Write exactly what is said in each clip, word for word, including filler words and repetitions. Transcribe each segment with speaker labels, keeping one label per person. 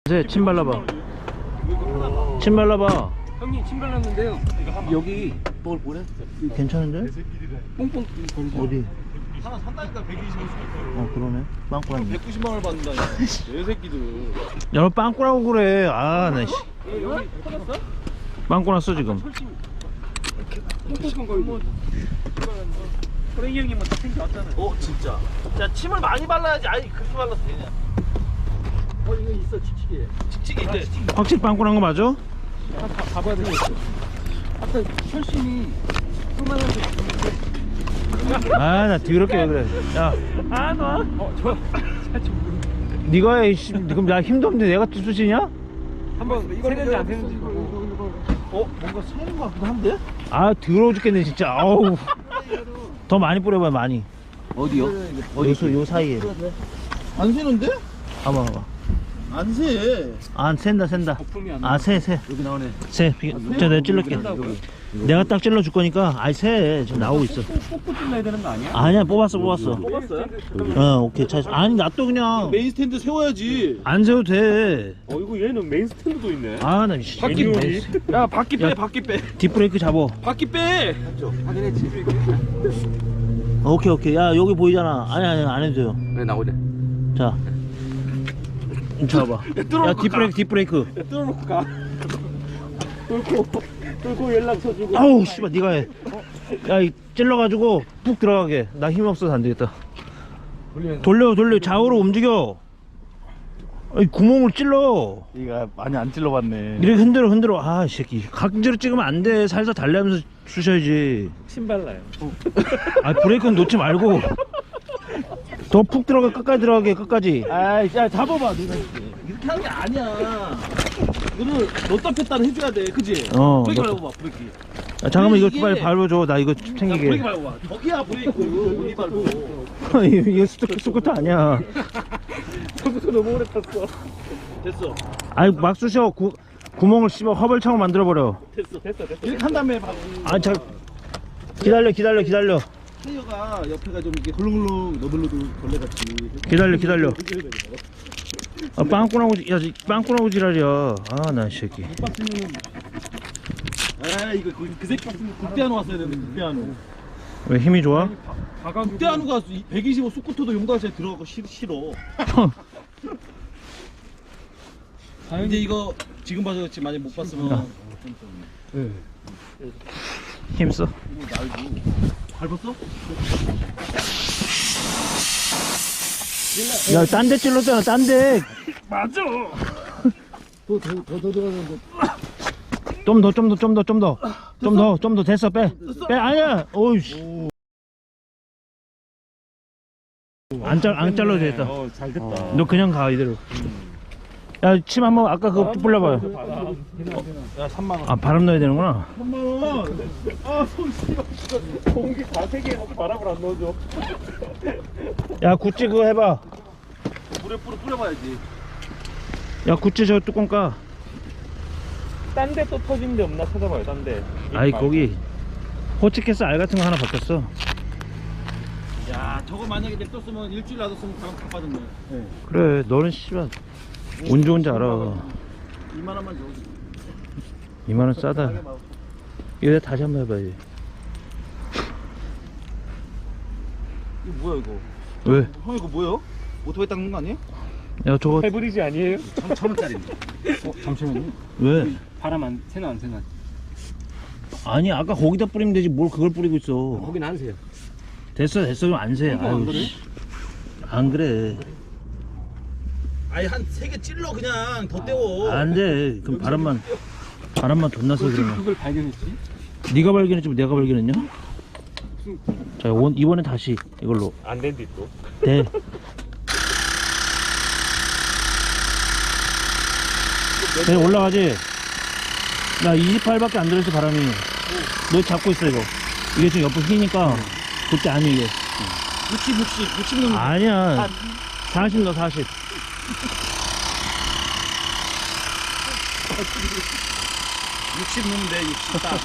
Speaker 1: 네, 침 발라봐. 침 발라봐.
Speaker 2: 형님 침 발랐는데요. 여기 뭘 뭐래?
Speaker 1: 괜찮은데?
Speaker 2: 뽕뽕 거리죠.
Speaker 1: 어디?
Speaker 3: 하나 산다니까 백이십오
Speaker 1: 어 그러네. 빵꾸라니.
Speaker 3: 백구십만 원을 받는다니까 내 새끼들.
Speaker 1: 야, 너 빵꾸라고 그래. 아, 나 씨.
Speaker 2: 여기 터졌어?
Speaker 1: 빵꾸 났어 지금.
Speaker 2: 뽕뽕 거리고. 호랭이 형님 뭐다 챙겨왔잖아요.
Speaker 3: 어 진짜. 야 침을 많이 발라야지. 아니 그렇게 발라서 되냐?
Speaker 2: 어 이거 있어 칙칙이.
Speaker 3: 칙칙이 있대.
Speaker 1: 확실히 빵꾸 난 거 맞아?
Speaker 2: 봐봐야 되겠어. 아까 혈심이 그만해서.
Speaker 1: 아, 나 더럽게 왜 그래. 야,
Speaker 2: 아 너? 어 저.
Speaker 1: 네가 해. 씨, 그럼 나 힘도 없는데 내가 투수지냐?
Speaker 2: 한번 세는지 안 세는지.
Speaker 3: 어 뭔가 새는 것 같기도 한데?
Speaker 1: 아, 더러워 죽겠네 진짜. 아우. 더 많이 뿌려봐 많이.
Speaker 3: 어디요?
Speaker 1: 요, 소- 요 사이에.
Speaker 3: 안 새는데?
Speaker 1: 봐봐 봐봐.
Speaker 3: 안 새.
Speaker 1: 안 샌다 샌다.
Speaker 2: 거품이 안
Speaker 1: 아, 새 새.
Speaker 3: 여기 나오네.
Speaker 1: 새. 저 내가 찔러줄게. 내가 딱 찔러 줄 거니까. 아이, 새 지금 나오고 있어.
Speaker 2: 뽑고 찔러야 되는 거 아니야?
Speaker 1: 아니야, 뽑았어 뽑았어.
Speaker 3: 뽑았어요?
Speaker 1: 어, 오케이. 차. 아니, 나 또 그냥
Speaker 3: 메인 스탠드 세워야지.
Speaker 1: 안 세워도 돼.
Speaker 2: 어 이거 얘는 메인 스탠드도 있네.
Speaker 1: 아, 나 씨.
Speaker 2: 바퀴
Speaker 1: 이게
Speaker 3: 야 바퀴 빼
Speaker 1: 야.
Speaker 3: 바퀴 빼.
Speaker 1: 뒷브레이크 잡어.
Speaker 3: 바퀴 빼.
Speaker 2: 확인했지.
Speaker 1: 오케이 오케이. 야, 여기 보이잖아. 아니 아니 안 해도 돼요.
Speaker 2: 왜 나오래?
Speaker 1: 자, 잡아. 야, 뒷브레이크 뒷브레이크.
Speaker 2: 뚫어놓고 가. 뚫고 뚫고 연락처 주고.
Speaker 1: 아우 씨발, 네가 해. 야, 이 찔러가지고 푹 들어가게. 나 힘 없어서 안 되겠다. 돌려 돌려. 좌우로 움직여. 아이, 구멍을 찔러.
Speaker 3: 이가 많이 안 찔러봤네.
Speaker 1: 이렇게 흔들어 흔들어. 아, 이 새끼. 각지로 찍으면 안 돼. 살살 달래면서 쑤셔야지.
Speaker 2: 침 발라요.
Speaker 1: 아, 브레이크는 놓지 말고 더 푹 들어가. 끝까지 들어가게. 끝까지.
Speaker 3: 아이 야 잡아봐 네가 이렇게 하는 게 아니야. 이거는 넣다 뺐다는 해줘야 돼, 그지?
Speaker 1: 어,
Speaker 3: 브레이크
Speaker 1: 넣다-
Speaker 3: 밟아봐, 브레이크.
Speaker 1: 야, 잠깐만 이거
Speaker 3: 이게-
Speaker 1: 빨리 밟아줘. 나 이거
Speaker 3: 야, 브레이크
Speaker 1: 챙기게.
Speaker 3: 밟아봐. 저기야 브레이크. 여기 밟고.
Speaker 1: 이거 스쿠, 스쿠터 아니야.
Speaker 2: 저부터 너무 오래 탔어.
Speaker 3: 됐어,
Speaker 1: 아이, 막 쑤셔. 구, 구멍을 씹어 허벌창으로 만들어버려.
Speaker 3: 됐어.
Speaker 2: 됐어 됐어.
Speaker 3: 이렇게 한 다음에 밟고.
Speaker 1: 아, 자, 기다려 기다려 기다려
Speaker 3: 타이어가 옆에가 좀 이렇게 헐렁헐렁 너덜너덜 벌레같이.
Speaker 1: 기다려 기다려. 아, 빵꾸나고 지- 야, 이 빵꾸나고 지랄이야. 아, 나 이 새끼.
Speaker 3: 아 이거 그, 그 새끼 국대한우 왔어야 되는데 국대한우.
Speaker 1: 왜 힘이 좋아?
Speaker 3: 국대한우가 백이십오 스쿠터도 용달차에 들어가고 싫, 싫어. 근데 이거 지금 봐서 그렇지 만약 못 봤으면
Speaker 1: 힘써.
Speaker 3: 밟았어?
Speaker 1: 야, 딴 데 찔렀잖아. 딴 데.
Speaker 2: 맞아.
Speaker 3: 더더더 들어가는데.
Speaker 1: 좀 더 좀 더 좀 더 좀 더 좀 더 좀 더 됐어. 빼. 빼. 아니야. 어이씨. 안 잘 안 잘라도 되겠다.
Speaker 2: 어, 잘 됐다.
Speaker 1: 너 그냥 가 이대로. 야, 침 한번 아까 그거 불러봐요.
Speaker 3: 야 삼만 원.
Speaker 1: 아, 바람 넣어야 되는구나.
Speaker 3: 삼만 원. 아 손씨발.
Speaker 2: 공기 다 세게 해놓고 바람을 안 넣어줘.
Speaker 1: 야, 구찌 그거 해봐.
Speaker 3: 물에 뿌려 뿌려봐야지.
Speaker 1: 야, 구찌 저 뚜껑 까.
Speaker 2: 딴 데 또 터진 데 없나 찾아봐요. 딴 데.
Speaker 1: 아이, 거기 호치키스 알 같은 거 하나 바뀌었어.
Speaker 3: 야 저거 만약에 냅뒀으면 일주일 놔뒀으면 가방 다 빠졌네.
Speaker 1: 그래, 너는 씨발 운 좋은지 알아.
Speaker 3: 이만 원만 줘.
Speaker 1: 이만 원 싸다. 이거 다시 한번 해봐야지.
Speaker 3: 이거 뭐야 이거?
Speaker 1: 왜?
Speaker 3: 형 이거 뭐예요? 오토바이 닦는 거 아니에요?
Speaker 1: 야, 저거
Speaker 2: 하이브리지 아니에요?
Speaker 3: 천 원짜리인데. 어 잠시만요.
Speaker 1: 왜?
Speaker 2: 바람 안 새나 안 새나?
Speaker 1: 아니, 아까 거기다 뿌리면 되지 뭘 그걸 뿌리고 있어.
Speaker 2: 거긴 안 새요.
Speaker 1: 됐어 됐어. 그럼 안 새.
Speaker 2: 이거 안
Speaker 1: 아유,
Speaker 2: 그래?
Speaker 1: 씨. 안 그래.
Speaker 3: 아니 한 세 개 찔러 그냥 더 떼워.
Speaker 1: 안 돼. 그럼 바람만 바람만 돈 나서
Speaker 2: 어떻게
Speaker 1: 그러면.
Speaker 2: 그걸 발견했지?
Speaker 1: 네가 발견했지 뭐 내가 발견했냐? 자, 원, 이번에 다시 이걸로
Speaker 2: 안 된디 또.
Speaker 1: 돼. 네, 올라가지. 나 이십팔밖에 안 들어있어 바람이. 너 잡고 있어 이거. 이게 지금 옆으로 휘니까 그때 아니 이게.
Speaker 3: 육십 육십 육십 넘는.
Speaker 1: 아니야. 사십 넣어 사십.
Speaker 3: 육십 넣으면 돼 육십 딱.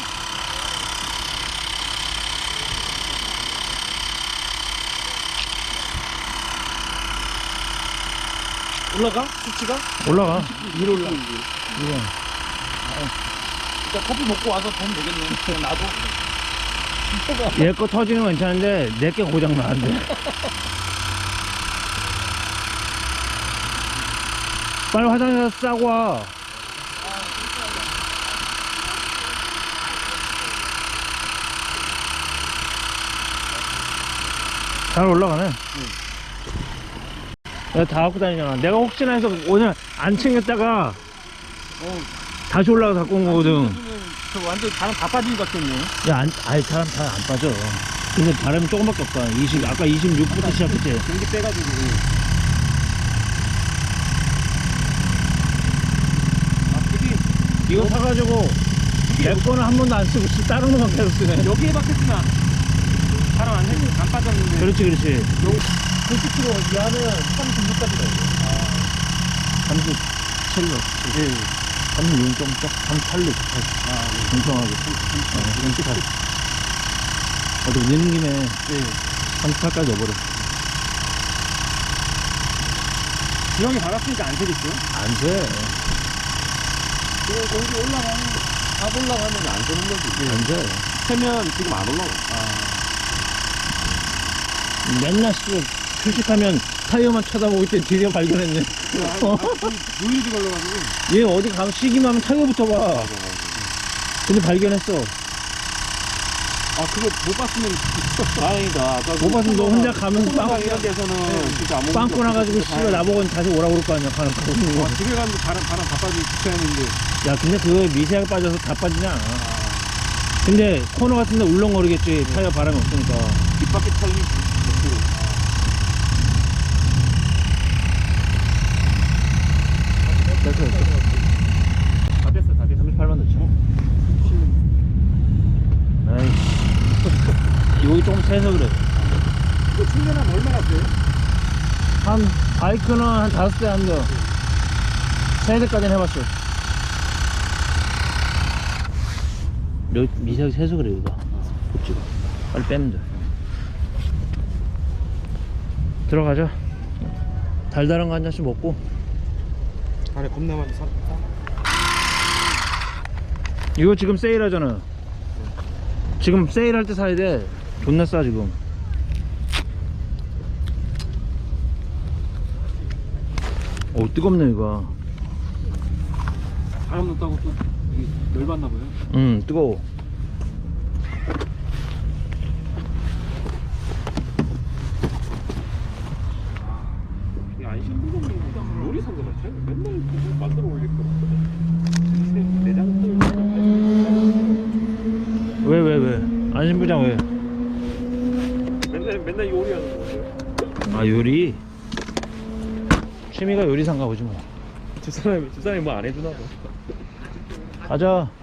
Speaker 3: 올라가? 수치가?
Speaker 1: 올라가.
Speaker 3: 위로 올라가.
Speaker 1: 이거.
Speaker 3: 일단 커피 먹고 와서 보면 되겠네. 그냥 놔둬.
Speaker 1: 얘 거 터지는 건 괜찮은데 내 게 고장 나는데. 빨리 화장실 가서 싸고 와. 잘 올라가네. 내가 다 갖고 다니잖아. 내가 혹시나 해서 오늘 안 챙겼다가
Speaker 3: 어,
Speaker 1: 다시 올라가 갖고 온 거거든.
Speaker 3: 저 완전 바람 다 빠진 것 같겠네.
Speaker 1: 야, 안, 아이, 사람 잘 안 빠져. 근데 바람이 조금밖에 없다. 이십, 아까 이십육부터 시작했지.
Speaker 3: 경기 빼가지고. 아, 그게
Speaker 1: 이거 사가지고 내 거는 한 번도 안 쓰고 쓰- 다른 거만 계속 쓰네.
Speaker 3: 여기에 박혔으면 바람 안, 해- 안 빠졌는데.
Speaker 1: 그렇지, 그렇지.
Speaker 3: 구십 킬로미터 이하는 삼십육까지 가요.
Speaker 1: 삼십칠 로.
Speaker 3: 네.
Speaker 1: 삼십육 점 쪽, 삼십팔 로.
Speaker 3: 아, 네.
Speaker 1: 공평하게. 어, 삼십팔. 어디 넣는 김에
Speaker 3: 네.
Speaker 1: 삼십팔까지 넣어버려.
Speaker 3: 지형이 밝았으니까 안 새겠죠?
Speaker 1: 안 돼.
Speaker 3: 지금 공기 올라가면, 탑 올라가면 안 새는 거지.
Speaker 1: 안 돼.
Speaker 3: 새면 지금 안 올라가. 아.
Speaker 1: 맨날 씨, 휴식하면 타이어만 쳐다보고 있더니 드디어 발견했네. 어?
Speaker 3: 누일이 걸려가지고.
Speaker 1: 얘 어디 가면 쉬기만 하면 타이어부터 봐. 근데 발견했어.
Speaker 3: 아, 그거 못 봤으면 다행이다. 아까
Speaker 1: 못 봤으면 너 혼자 가면 빵,
Speaker 3: 빵 이런 데서는 진짜 아무
Speaker 1: 빵꾸 나가지고 씨발 나보고 다시 오라고 그럴 거 아니야. 가는 거.
Speaker 3: 와, 집에 가면 바람 바람 다 빠지고 주차했는데.
Speaker 1: 야, 근데 그거 미세하게 빠져서 다 빠지지 않아. 근데 코너 같은 데 울렁거리겠지. 타이어 바람이 없으니까.
Speaker 3: 뒷바퀴 털리
Speaker 1: 됐어, 됐어.
Speaker 3: 다 됐어, 다 됐어.
Speaker 1: 삼십팔만 넣죠. 아이씨. 여기 조금 세서 그래.
Speaker 3: 이거 충전하면 얼마나 돼?
Speaker 1: 한, 바이크는 한 다섯 대 한 대. 세 대까지는 해봤어. 여기 미세하게 세서 그래, 여기가. 그치? 빨리 빼면 돼. 들어가자. 달달한 거 한 잔씩 먹고.
Speaker 3: 안에 겁나 많이 사.
Speaker 1: 이거 지금 세일하잖아. 지금 세일할 때 사야 돼. 존나 싸 지금. 오, 뜨겁네 이거.
Speaker 3: 바람 넣었다고 또 열받나 봐요.
Speaker 1: 응, 뜨거워.
Speaker 3: 이게 안 신부동이 요리사인 것 같아요. 맨날 그거 만들어 올릴 거. 내장
Speaker 1: 왜 왜 왜? 안심부장 왜?
Speaker 3: 맨날 맨날 요리하는 거예요.
Speaker 1: 아, 요리. 취미가 요리사인가 보지 뭐.
Speaker 3: 저 사람이 저 사람이 뭐 안 해주나 봐.
Speaker 1: 가자.